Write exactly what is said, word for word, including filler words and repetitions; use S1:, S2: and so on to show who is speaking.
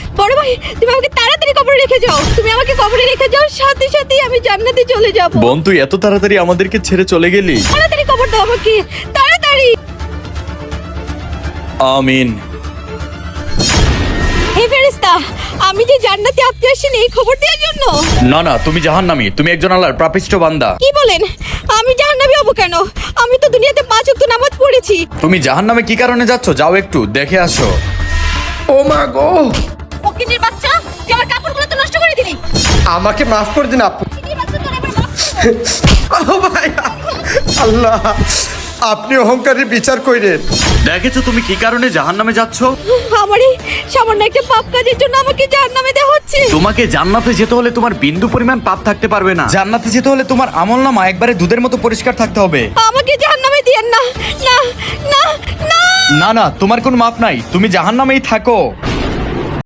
S1: বড় ভাই তুমি আমাকে তাড়াতাড়ি কবরে রেখে যাও, তুমি আমাকে কবরে রেখে যাও, সাথে সাথে আমি জান্নাতে চলে যাব।
S2: বোন তুই এত তাড়াতাড়ি আমাদেরকে ছেড়ে চলে গেলি?
S1: তাড়াতাড়ি কবর দাও আমাকে, তাড়াতাড়ি।
S2: আমিন।
S1: হে ফেরেশতা, আমি যে জান্নাতে আপনি আসেন এই খবর দেওয়ার জন্য?
S2: না না, তুমি জাহান্নামী, তুমি একজন আল্লাহর পাপিষ্ঠ বান্দা।
S1: কি বলেন? আমি জাহান্নামী হব কেন? আমি তো দুনিয়াতে পাঁচ ওয়াক্ত নামাজ পড়েছি।
S2: তুমি জাহান্নামে কি কারণে যাচ্ছ? যাও একটু দেখে আসো।
S3: ও মা গো,
S1: ফকিনীর বাচ্চা, তুই আমার কাপড়গুলো তো নষ্ট করে দিলি।
S3: আমাকে মাফ করে দিন আপু।
S1: ফকিনীর বাচ্চা, তোর এবার মাফ-
S3: ও ভাই, আল্লাহ আপনি অহংকারের বিচার কইরেন।
S2: দেখেছো তুমি কি কারণে জাহান্নামে যাচ্ছ?
S1: আমার এই সামান্য একটা পাপ কাজের জন্য আমাকে জাহান্নামে দেওয়া হচ্ছে।
S2: তোমাকে জান্নাতে যেতে হলে তোমার বিন্দু পরিমাণ পাপ থাকতে পারবে না। জান্নাতে যেতে হলে তোমার আমলনামা একবারে দুধের মতো পরিষ্কার থাকতে হবে।
S1: আমাকে জাহান্নামে দিয়েন না, না, না, না।
S2: না না, তোমার কোনো মাপ নাই, তুমি জাহান্নামেই থাকো।